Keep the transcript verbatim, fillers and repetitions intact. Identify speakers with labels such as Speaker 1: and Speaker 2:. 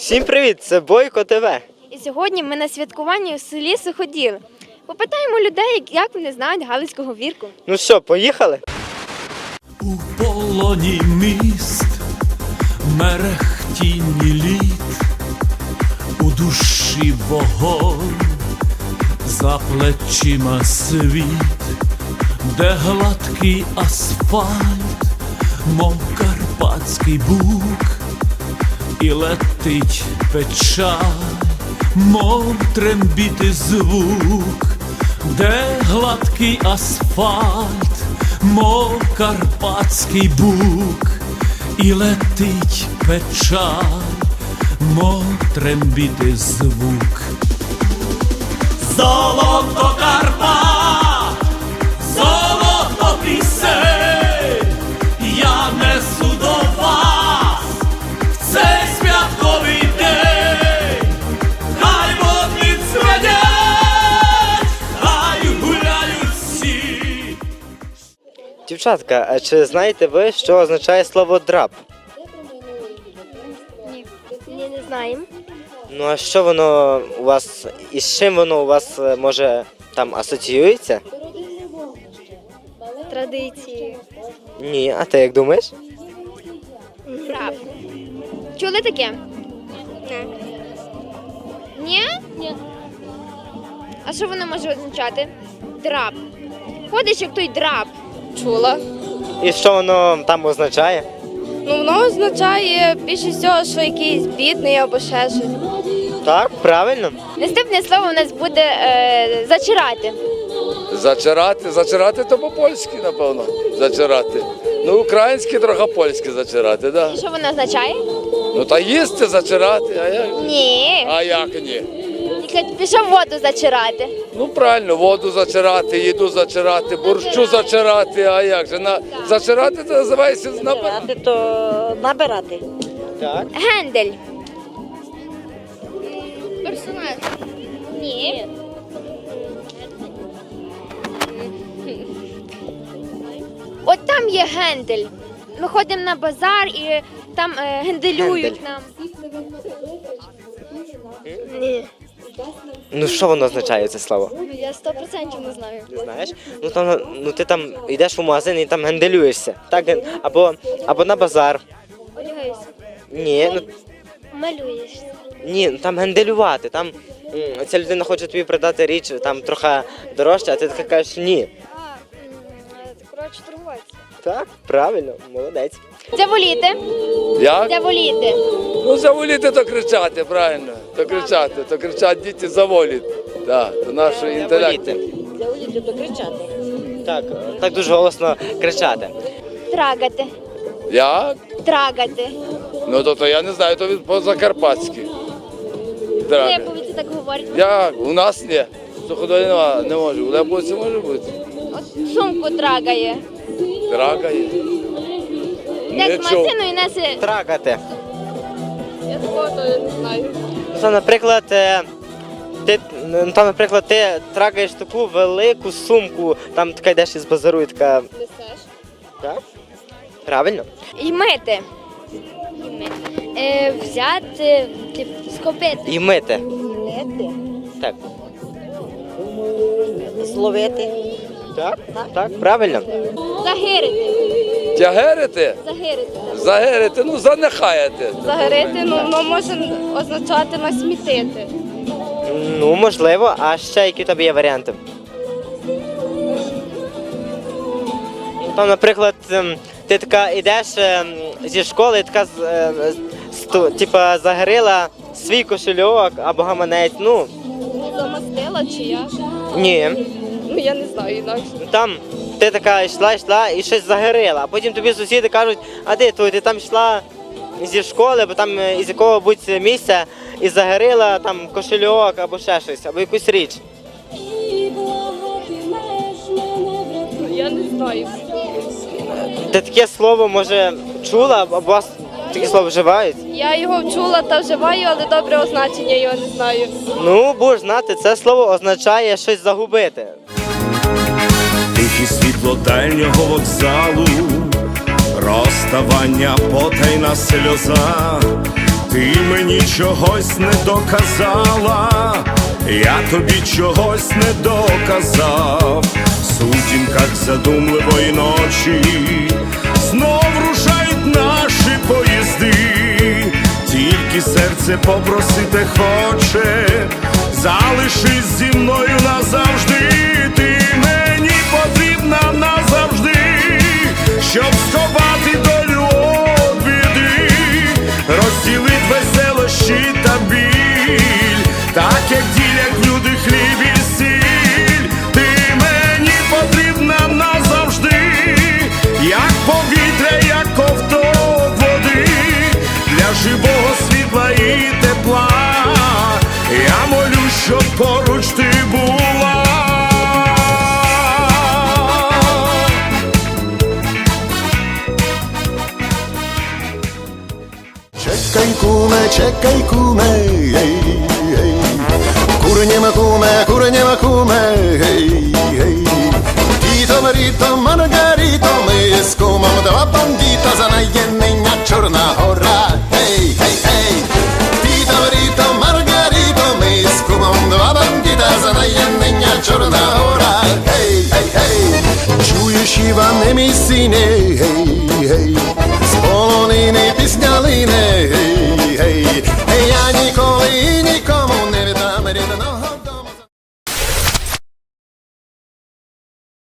Speaker 1: Всім привіт, це Бойко ТВ.
Speaker 2: І сьогодні ми на святкуванні у селі Суходіл. Попитаємо людей, як вони знають галицького вірку.
Speaker 1: Ну що, поїхали?
Speaker 3: У полоні міст, мерехтінні літ, у душі вогонь, за плечима світ, де гладкий асфальт, мов карпатський бук, і летить печаль, мов трембіти звук, де гладкий асфальт, мов карпатський бук, і летить печаль, мов трембіти звук. Золото Карпат, золото пісень, я несу до вас в цей святковий день. Хай водні цведять, хай гуляють всі.
Speaker 1: Дівчатка, а чи знаєте ви, що означає слово драп?
Speaker 2: Ні, Ні не знаємо.
Speaker 1: Ну а що воно у вас, і з чим воно у вас е, може там асоціюється?
Speaker 2: Традиції.
Speaker 1: Ні, а ти як думаєш?
Speaker 2: Драп. Чули таке? Ні. Ні? Ні. А що воно може означати? Драп. Ходиш як той драп.
Speaker 4: Чула.
Speaker 1: І що воно там означає?
Speaker 4: Ну, воно означає більше всього, що якийсь бідний або ще щось.
Speaker 1: Так, правильно.
Speaker 2: Наступне слово у нас буде е, зачирати.
Speaker 5: Зачирати, зачирати то по-польськи, напевно. Зачирати. Ну, українське, трохи польське зачирати, да.
Speaker 2: І що воно означає?
Speaker 5: Ну та їсти зачирати, а як?
Speaker 2: Ні.
Speaker 5: А як ні?
Speaker 2: Тільки пішов воду зачирати.
Speaker 5: Ну правильно, воду зачирати, їду зачирати, борщу зачирати, а як же? На... Зачирати це називається набирати.
Speaker 6: Набирати, то набирати.
Speaker 1: Так.
Speaker 2: Гендель. Персонаж. Ні. От там є гендель. Ми ходимо на базар і там е, генделюють
Speaker 1: Гендель.
Speaker 2: нам. Ні.
Speaker 1: Ну що воно означає, це слово?
Speaker 2: Я сто відсотків не знаю.
Speaker 1: Не знаєш? Ну там, ну ти там йдеш в магазин і там генделюєшся. Так, ген- або, або на базар.
Speaker 2: Одягайся.
Speaker 1: Ні, ну
Speaker 2: Малюєшся.
Speaker 1: ні, ну, там генделювати. Там м, ця людина хоче тобі продати річ там трохи дорожче, а ти така кажеш ні.
Speaker 2: А, коротше, торгуватися.
Speaker 1: Так, правильно, молодець.
Speaker 2: Заволіти.
Speaker 5: Як?
Speaker 2: Заволіти.
Speaker 5: Ну заволіти то кричати, правильно. То кричати, то кричать діти заволіт. Да, то наш інтелект.
Speaker 1: Заволіти.
Speaker 6: Заводити, то кричати.
Speaker 1: Так, так дуже голосно кричати.
Speaker 2: Трагати.
Speaker 5: Як?
Speaker 2: Трагати.
Speaker 5: Ну то, то я не знаю, то від по-закарпатськи. Драга.
Speaker 2: Леповиці так говорять.
Speaker 5: Як? У нас ні. Суходолі нема, не може. У Леповиці може бути.
Speaker 2: От сумку трагає.
Speaker 5: Драга є.
Speaker 2: Йде
Speaker 5: Не
Speaker 2: з
Speaker 5: чув.
Speaker 2: магазину і несе.
Speaker 1: Трагати.
Speaker 4: Я такого то не знаю.
Speaker 1: Ну, там, наприклад, е, ти, ну, там, наприклад, ти трагаєш таку велику сумку, там така йдеш із базару і така.
Speaker 4: Несеш?
Speaker 1: Так? Правильно?
Speaker 2: І мити. Е, взяти, типу, схопити.
Speaker 1: І мити.
Speaker 6: Лети.
Speaker 1: Так.
Speaker 6: Зловити.
Speaker 1: Так? Так, правильно.
Speaker 2: Загирити.
Speaker 5: Тягерити?
Speaker 2: Загирити.
Speaker 5: Загерити, ну занехаєте.
Speaker 4: Загорити, ну, воно може означати насмітити.
Speaker 1: Ну, можливо, а ще які в тебе є варіанти? Ну, там, наприклад, ем, ти така йдеш ем, зі школи і така з- е, з- сто- типа загорила свій кошельок або гаманець. Ну,
Speaker 4: Замастила чи як?
Speaker 1: ні.
Speaker 4: Ну я не знаю інакше.
Speaker 1: Ну, там ти така йшла, йшла і щось загорила, а потім тобі сусіди кажуть, а ти, то, ти там йшла зі школи, бо там е, із якого-будь місця і загорила там кошельок або ще щось, або якусь річ.
Speaker 4: Я не знаю.
Speaker 1: Ти таке слово, може, чула, або у вас таке слово вживають?
Speaker 4: Я його чула та вживаю, але добре означення його не знаю.
Speaker 1: Ну, будеш знати, це слово означає щось загубити.
Speaker 3: Тихі світло дальнього вокзалу, розставання потайна сльоза, Ти мені чогось не доказала, я тобі чогось не доказав. В сутінках задумливої ночі знов рушають наші поїзди. Тільки серце попросити хоче, залишись зі мною назавжди. Ти мені потрібна назавжди, щоб сховати долю від біди, розділить веселощі та біль, так як ділять люди хліб і сіль. Ти мені потрібна назавжди, як повітря, як ковток води, для живого світла і тепла. Я молюсь, щоб поруч ти була.
Speaker 7: Czekaj kume, czekaj kume, hej, hej. Kurniema kume, kurniema kume, hej, hej. Tito Marito, Margarito, my z kumą dwa bandita za najemnia Czarna Hora, hej, hej, hej. Tito Marito, Margarito, my z kumą dwa bandita za najemnia Czarna Hora, hej, hej, hej. Czujesz Iwan, my syny,